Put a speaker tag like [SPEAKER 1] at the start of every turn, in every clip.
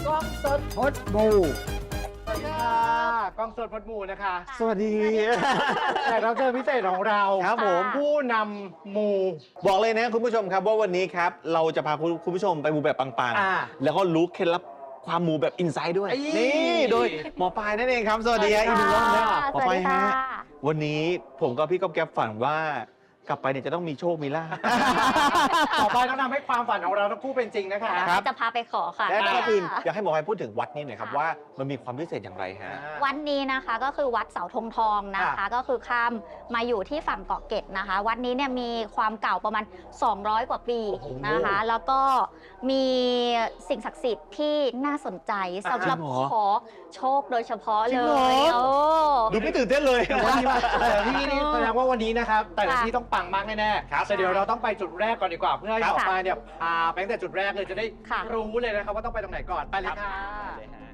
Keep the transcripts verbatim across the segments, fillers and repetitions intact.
[SPEAKER 1] กล้องสดพดบูสวัสดีค่ะกล้องสดพดบูนะคะ
[SPEAKER 2] สวัสดี
[SPEAKER 1] แขกรับเชิญพิเศษของเรา
[SPEAKER 2] ครับผม
[SPEAKER 1] ผู้นำมู
[SPEAKER 2] บอกเลยนะคุณผู้ชมครับว่าวันนี้ครับเราจะพาคุณผู้ชมไปมูแบบปัง
[SPEAKER 1] อ่า
[SPEAKER 2] ๆแล้วก็รู้เคล็ดลับความมูแบบอินไซด์ด้วย
[SPEAKER 1] ไอ้
[SPEAKER 2] นี่โดยหมอปลายนั่นเองครับสวัสดีครับอีกหนึ่งรอบนะหมอปลายฮะวันนี้ผมกับพี่ก๊อฟแก๊ปฝันว่ากลับไปเนี่ยจะต้องมีโชคมีลาภ
[SPEAKER 1] ต่อไปต้องทำให้ความฝันของเราทั้งคู่เป็นจริงนะคะ
[SPEAKER 2] ครับ
[SPEAKER 3] จะพาไปขอค่ะ
[SPEAKER 2] และก่อนอื่นอยากให้หมอปลายพูดถึงวัดนี้หน่อยครับว่ามันมีความพิเศษอย่างไรฮะ
[SPEAKER 3] วัดนี้นะคะก็คือวัดเสาธงทองนะคะ
[SPEAKER 1] ค่ะ
[SPEAKER 3] ก็คือข้ามมาอยู่ที่ฝั่งเกาะเกร็ดนะคะ วัดนี้เนี่ยมีความเก่าประมาณสองร้อยกว่าปีนะคะ แล้วก็มีสิ่งศักดิ์สิทธิ์ที่น่าสนใจสำหรับ
[SPEAKER 2] จริงเหรอ
[SPEAKER 3] ขอโชคโดยเฉพาะ
[SPEAKER 2] จริ
[SPEAKER 3] เล
[SPEAKER 2] งเหรอ
[SPEAKER 3] ยโอ้
[SPEAKER 2] ดูไม่ตื่นเต้นเลย
[SPEAKER 1] วันนี้มาแต่ละที่นี่แสดงว่าวันนี้นะครับแต่ละ
[SPEAKER 3] ค่ะ
[SPEAKER 1] ที่ต้องปังมากแน่ๆ
[SPEAKER 2] ครับ
[SPEAKER 1] แต่เดี๋ยวเราต้องไปจุดแรกก่อนดีกว่าเพื่อให้
[SPEAKER 2] ครั
[SPEAKER 1] ห
[SPEAKER 2] บ
[SPEAKER 1] มอปลายเนี่ยพาไปตั้งแต่จุดแรกเลยจะได้
[SPEAKER 3] ค่ะ
[SPEAKER 1] รู้เลยนะครับว่าต้องไปตรงไหนก่อนไปเลยค่ะ
[SPEAKER 2] เลยฮะ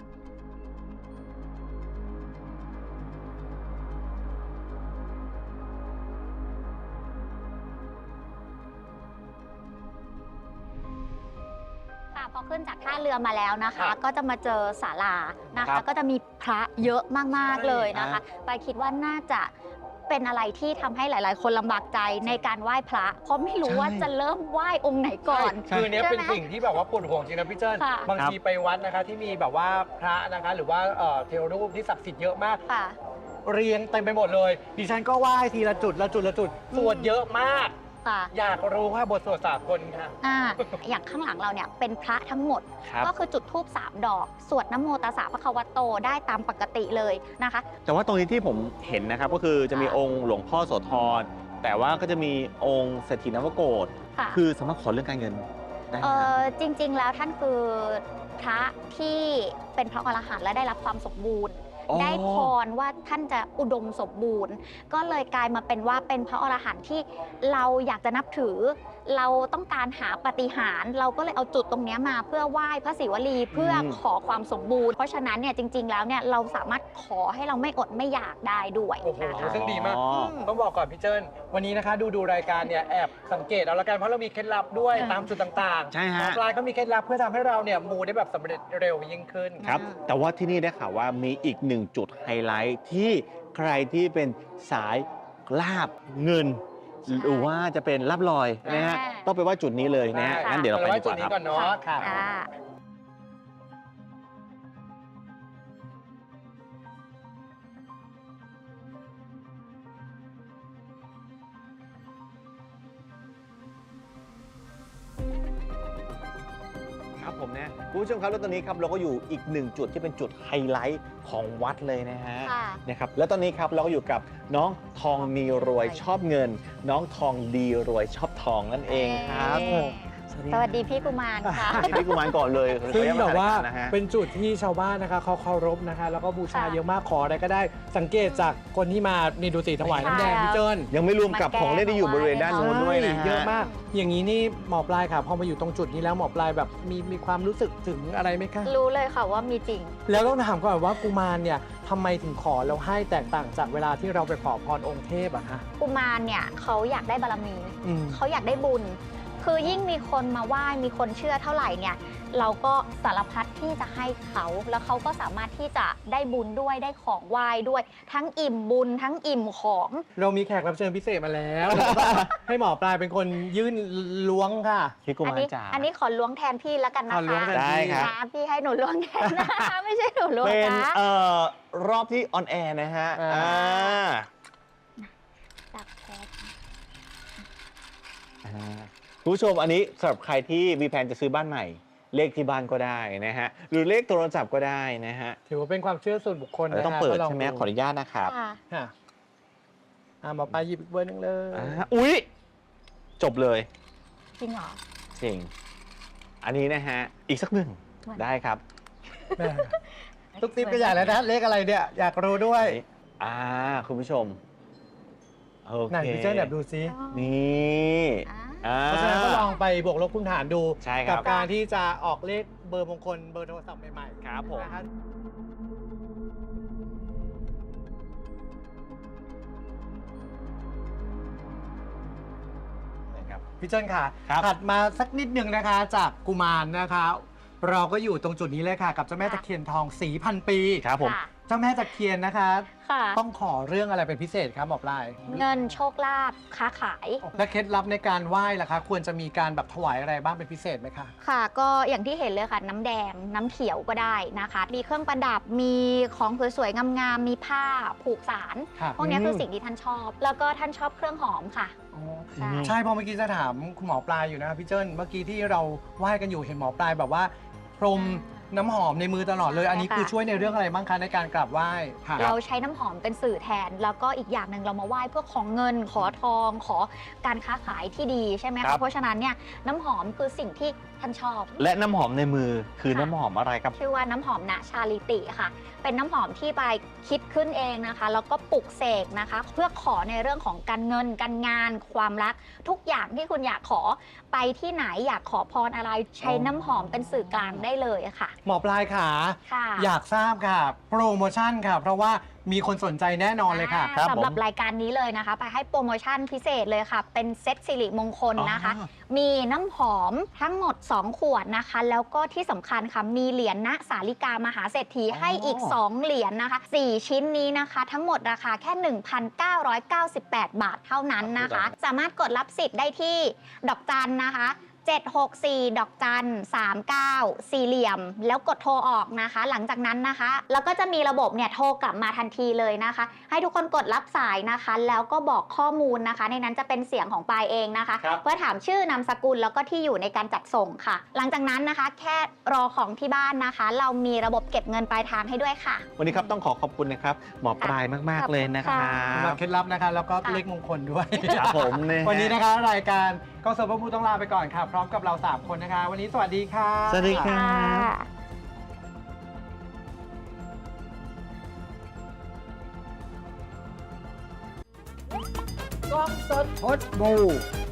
[SPEAKER 3] ค่ะพอขึ้นจากท่าเรือมาแล้วนะคะ
[SPEAKER 1] ครับ
[SPEAKER 3] ก็จะมาเจอศาลานะ
[SPEAKER 2] ครั
[SPEAKER 3] คะ
[SPEAKER 2] บ
[SPEAKER 3] ก็จะมีพระเยอะมากๆเลยนะคะ
[SPEAKER 2] อ่า
[SPEAKER 3] ไปคิดว่าน่าจะเป็นอะไรที่ทำให้หลาย ๆ คนลำบากใจในการไหว้พระ เพราะไม่รู้ว่าจะเริ่มไหว้องค์ไหนก่อน
[SPEAKER 1] คือเนี้ย
[SPEAKER 3] ใช่
[SPEAKER 1] เป็น
[SPEAKER 3] ไหม
[SPEAKER 1] สิ่งที่แบบว่าปวดหัวจริงนะพี่เจิ้น
[SPEAKER 3] ค่ะ
[SPEAKER 1] บางทีไปวัดนะคะที่มีแบบว่าพระนะคะหรือว่าเอ่อเทวรูปที่ศักดิ์สิทธิ์เยอะมาก
[SPEAKER 3] ค่ะ
[SPEAKER 1] เรียงเต็มไปหมดเลย ดิฉันก็ไหว้ทีละจุดละจุดละจุดสวดเยอะมาก
[SPEAKER 3] ค่ะ
[SPEAKER 1] อยากรู้ว่าบทสวดสากลค่ะ
[SPEAKER 3] อ่าอย่างข้างหลังเราเนี่ยเป็นพระทั้งหมด
[SPEAKER 2] ครับ
[SPEAKER 3] ก็คือจุดธูปสามดอก สวดนะโมตัสสะภะคะวะโตได้ตามปกติเลยนะคะ
[SPEAKER 2] แต่ว่าตรงนี้ที่ผมเห็นนะครับก็คือจะมีองค์หลวงพ่อโสธรแต่ว่าก็จะมีองค์เศรษฐีนวโกฏ
[SPEAKER 3] ค่ะ
[SPEAKER 2] คือสามารถขอเรื่องการเงินได้ไหม
[SPEAKER 3] เอ
[SPEAKER 2] ครับ
[SPEAKER 3] อจริง ๆ แล้วท่านคือพระที่เป็นพระอรหันต์และได้รับความสมบูรณ์
[SPEAKER 2] อ๋อ
[SPEAKER 3] ได้พรว่าท่านจะอุดมสมบูรณ์ ก็เลยกลายมาเป็นว่าเป็นพระอรหันต์ที่เราอยากจะนับถือ เราต้องการหาปาฏิหาริย์เราก็เลยเอาจุดตรงเนี้ยมาเพื่อไหว้พระศิวลีเพื่อขอความสมบูรณ์ เพราะฉะนั้นเนี่ยจริง ๆ แล้วเนี่ยเราสามารถขอให้เราไม่อดไม่อยากได้ด้วย
[SPEAKER 1] โอ้โห
[SPEAKER 3] นะคะ
[SPEAKER 1] ซึ่งดีมาก
[SPEAKER 2] อ๋อ
[SPEAKER 1] ต้องบอกก่อนพี่เจิ้นวันนี้นะคะดูดูรายการเนี่ยแอบสังเกตเอาละกันเพราะเรามีเคล็ดลับด้วย
[SPEAKER 3] ค่ะ
[SPEAKER 1] ตามจุดต่างๆ
[SPEAKER 2] ใช่ฮะ
[SPEAKER 1] หมอปลายก็มีเคล็ดลับเพื่อทำให้เราเนี่ยมูได้แบบสำเร็จเร็วยิ่งขึ้น
[SPEAKER 2] ครับ แต่ว่าที่นี่ได้ข่าวว่ามีอีกหนึ่งจุดไฮไลท์ที่ใครที่เป็นสายลาบเงิน
[SPEAKER 3] ใช่
[SPEAKER 2] หรือว่าจะเป็นลาบลอยนะฮะ
[SPEAKER 3] อ่า
[SPEAKER 2] ต้องไปว่าจุดนี้เลยนะฮะ
[SPEAKER 1] ได้
[SPEAKER 2] งั้นเดี๋ยวเราไป
[SPEAKER 1] ไว้
[SPEAKER 2] ดีก
[SPEAKER 1] จุด
[SPEAKER 2] ว่า
[SPEAKER 1] นี้
[SPEAKER 2] ครับ
[SPEAKER 1] ก่อนเนาะค่ะ
[SPEAKER 3] อ่า
[SPEAKER 2] ครับผมนะคุณผู้ชมครับแล้วตอนนี้ครับเราก็อยู่อีกหนึ่งจุดที่เป็นจุดไฮไลท์ของวัดเลยนะฮะ
[SPEAKER 3] ค่ะ
[SPEAKER 2] นะครับแล้วตอนนี้ครับเราก็อยู่กับน้องทองมีรวยชอบเงิน น้องทองดีรวยชอบทองนั่นเองครับ
[SPEAKER 3] เอ่อสวัสดีพี่กุมารค่ะ
[SPEAKER 2] พี่กุมารก่อนเลย
[SPEAKER 1] ซึ่ง
[SPEAKER 2] ขออนุญต
[SPEAKER 1] แบบว่า
[SPEAKER 2] นะฮะ
[SPEAKER 1] เป็นจุดที่ชาวบ้านนะคะเขาเคารพนะคะ แล้วก็บูชา
[SPEAKER 3] ค่ะ
[SPEAKER 1] เยอะมากขออะไรก็ได้สังเกตจากคนที่มานี่ดูสิถวายน้ำแดง
[SPEAKER 3] ใช่
[SPEAKER 1] พี่เจิ้น
[SPEAKER 2] ยังไม่รวมกับของเล่นที่อยู่บริเวณด้านโน้นด้วยนะฮะ
[SPEAKER 1] เยอะมาก อย่างนี้นี่หมอปลายค่ะพอมาอยู่ตรงจุดนี้แล้วหมอปลายแบบมีมีความรู้สึกถึงอะไรไหมคะ
[SPEAKER 3] รู้เลยค่ะว่ามีจริง
[SPEAKER 1] แล้วต้องถามก่อนว่ากุมารเนี่ยทำไมถึงขอแล้วให้แตกต่างจากเวลาที่เราไปขอพรองค์เทพอะคะ
[SPEAKER 3] กุมารเนี่ยเขาอยากได้บารมี
[SPEAKER 1] อืม
[SPEAKER 3] เขาอยากได้บุญ คือยิ่งมีคนมาไหว้ มีคนเชื่อเท่าไหร่เนี่ย เราก็สารพัดที่จะให้เขา แล้วเขาก็สามารถที่จะได้บุญด้วย ได้ของไหว้ด้วย ทั้งอิ่มบุญ ทั้งอิ่มของ
[SPEAKER 1] เรามีแขกรับเชิญพิเศษมาแล้ว ให้หมอปลายเป็นคนยื่นล้วงค่ะ
[SPEAKER 2] พี่กุ
[SPEAKER 3] อั
[SPEAKER 2] มาร
[SPEAKER 3] นี้
[SPEAKER 2] จ๋า
[SPEAKER 3] อันนี้ขอล้วงแทนพี่แล้วกัน
[SPEAKER 1] ข
[SPEAKER 3] นะ
[SPEAKER 1] อล้วง
[SPEAKER 3] คะ
[SPEAKER 1] แทน
[SPEAKER 2] ได้ครับ
[SPEAKER 3] นะพี่ให้หนูล้วงแทนนะคะ ไม่ใช่หนูล้วง
[SPEAKER 2] เป็น
[SPEAKER 3] นะ
[SPEAKER 2] เอ่อรอบที่ออนแอร์นะฮะ
[SPEAKER 1] อ่า
[SPEAKER 2] อ่า
[SPEAKER 3] จับแทน
[SPEAKER 2] อ่าคุณผู้ชมอันนี้สำหรับใครที่มีแผนจะซื้อบ้านใหม่ เลขที่บ้านก็ได้นะฮะหรือเลขโทรศัพท์ก็ได้นะฮะ
[SPEAKER 1] ถือว่าเป็นความเชื่อส่วนบุคคล
[SPEAKER 2] เรา
[SPEAKER 1] นะ
[SPEAKER 2] ต้อง
[SPEAKER 1] คะ
[SPEAKER 2] เปิด
[SPEAKER 1] ก็ล
[SPEAKER 2] ใช่ไหม
[SPEAKER 1] ดู
[SPEAKER 2] ขออนุญาตนะครับ
[SPEAKER 3] ค่ะ
[SPEAKER 1] ค่ะอ่ะหมอปลายหยิบอีกเบอร์หนึงเลย
[SPEAKER 2] อ่าอุ๊ย จบเลย
[SPEAKER 3] จริงเหรอ
[SPEAKER 2] จริง อันนี้นะฮะ อีกสักหนึ่ง
[SPEAKER 3] วัน
[SPEAKER 2] ได้ครับ
[SPEAKER 1] แม่ทุกติ๊บก็ใหญ่แล้วนะเลขอะไรเนี่ยอยากรู้ด้วย
[SPEAKER 2] อันนี้อ่า คุณผู้ชม โอ
[SPEAKER 1] ไหน
[SPEAKER 2] เค
[SPEAKER 1] พี่เจ้าแบบดูซิ
[SPEAKER 2] นี่
[SPEAKER 3] อ่า
[SPEAKER 2] อ่า
[SPEAKER 1] เพราะฉะนั้นก็ลองไปบวกลบคูณหารดู
[SPEAKER 2] ใช่ครับ
[SPEAKER 1] กัการที่จะออกเลขเบอร์มงคลเบอร์โทรศัพท์ใหม่ๆ
[SPEAKER 2] ครับผม
[SPEAKER 1] นะคะ
[SPEAKER 2] นะครับ
[SPEAKER 1] พี่เจิ้นค่ะ
[SPEAKER 2] ครับ
[SPEAKER 1] ถัดมาสักนิดหนึ่งนะคะจากกุมารนะคะเราก็อยู่ตรงจุดนี้เลยค่ะ กับเจ้าแม่ตะเคียนทองสีพันปี
[SPEAKER 2] ครับผม
[SPEAKER 3] ค่ะ
[SPEAKER 1] เจ้าแม่ตะเคียนนะคะ
[SPEAKER 3] ค่ะ
[SPEAKER 1] ต้องขอเรื่องอะไรเป็นพิเศษครับหมอปลาย
[SPEAKER 3] เงินโชคลาภค้าขาย
[SPEAKER 1] และเคล็ดลับในการไหว้ล่ะคะ ควรจะมีการแบบถวายอะไรบ้างเป็นพิเศษไหมคะ
[SPEAKER 3] ค่ะ ก็อย่างที่เห็นเลยค่ะ น้ำแดงน้ำเขียวก็ได้นะคะ มีเครื่องประดับมีของสวยๆงามๆมีผ้าผูกสาร
[SPEAKER 1] ค่ะ
[SPEAKER 3] พวกนี้คือสิ่งที่ท่านชอบ แล้วก็ท่านชอบเครื่องหอมค่ะ
[SPEAKER 1] อ๋อ
[SPEAKER 3] ใช่
[SPEAKER 1] ใช่เพราะเมื่อกี้จะถามคุณหมอปลายอยู่นะครับพี่เจิ้นเมื่อกี้ที่เราไหว้กันอยู่เห็นหมอปลายแบบว่า พรมน้ำหอมในมือตลอดเลย อันนี้คือช่วยในเรื่องอะไรบ้างคะในการกราบไหว้ค่ะ
[SPEAKER 3] เราใช้น้ำหอมเป็นสื่อแทน แล้วก็อีกอย่างหนึ่งเรามาไหว้เพื่อขอเงิน ขอทอง ขอการค้าขายที่ดีใช่ไหม
[SPEAKER 2] ครั
[SPEAKER 3] คะ
[SPEAKER 2] บ
[SPEAKER 3] เพราะฉะนั้นเนี่ยน้ำหอมคือสิ่งที่ท่านชอบ
[SPEAKER 2] และน้ำหอมในมือคือ
[SPEAKER 3] ค่ะ
[SPEAKER 2] น้ำหอมอะไรครับ
[SPEAKER 3] ชื่อว่าน้ำหอมณชาลิติค่ะ เป็นน้ำหอมที่ไปคิดขึ้นเองนะคะ แล้วก็ปลุกเสกนะคะ เพื่อขอในเรื่องของการเงิน การงาน ความรัก ทุกอย่างที่คุณอยากขอไปที่ไหนอยากขอพรอะไร ใช้น้ำหอมเป็นสื่อกลางได้เลยค่ะ
[SPEAKER 1] หมอปลายขา
[SPEAKER 3] ค่ะ
[SPEAKER 1] อยากทราบค่ะ โปรโมชั่นค่ะ เพราะว่ามีคนสนใจแน่นอนเลยค่ะ
[SPEAKER 2] ครับ
[SPEAKER 3] สำหรับ
[SPEAKER 2] ผม
[SPEAKER 3] รายการนี้เลยนะคะ ไปให้โปรโมชั่นพิเศษเลยค่ะ เป็นเซตสิริมงคลนะคะ
[SPEAKER 2] อ๋อ
[SPEAKER 3] มีน้ำหอมทั้งหมด สอง ขวดนะคะ แล้วก็ที่สำคัญค่ะ มีเหรียญณสาลิกามหาเศรษฐีให้อีก สอง เหรียญนะคะ สี่ ชิ้นนี้นะคะ ทั้งหมดราคาแค่ หนึ่งพันเก้าร้อยเก้าสิบแปด บาทเท่านั้นนะคะ สามารถกดรับสิทธิ์ได้ที่ดอกจันนะคะ เจ็ด หก สี่ ดอกจัน สาม เก้า สี่เหลี่ยม แล้วกดโทรออกนะคะ หลังจากนั้นนะคะ แล้วก็จะมีระบบเนี่ยโทรกลับมาทันทีเลยนะคะ ให้ทุกคนกดรับสายนะคะ แล้วก็บอกข้อมูลนะคะ ในนั้นจะเป็นเสียงของปายเองนะคะ
[SPEAKER 2] ครับ
[SPEAKER 3] เพื่อถามชื่อนามสกุลแล้วก็ที่อยู่ในการจัดส่งค่ะ หลังจากนั้นนะคะ แค่รอของที่บ้านนะคะ เรามีระบบเก็บเงินปลายทางให้ด้วยค่ะ
[SPEAKER 2] วันนี้ครับต้องขอขอบคุณนะครับ หมอปลายมาก ๆ เลยนะครั
[SPEAKER 3] ขอบคุณค่ะ
[SPEAKER 1] สำหรับบ เคล็ดลับนะคะ แล้วก็
[SPEAKER 3] ค่ะ
[SPEAKER 1] เลขมงคลด้วย
[SPEAKER 2] ครับผมเย
[SPEAKER 1] วันนี้นะคะ รายการกองเสริมพระมูต้องลาไปก่อนค่ะ พร้อมกับเรา สาม คนนะคะ วันนี้สวัสดีค่ะ
[SPEAKER 2] สวัสดีครับ
[SPEAKER 3] ค่ะ
[SPEAKER 1] กองสดพดบู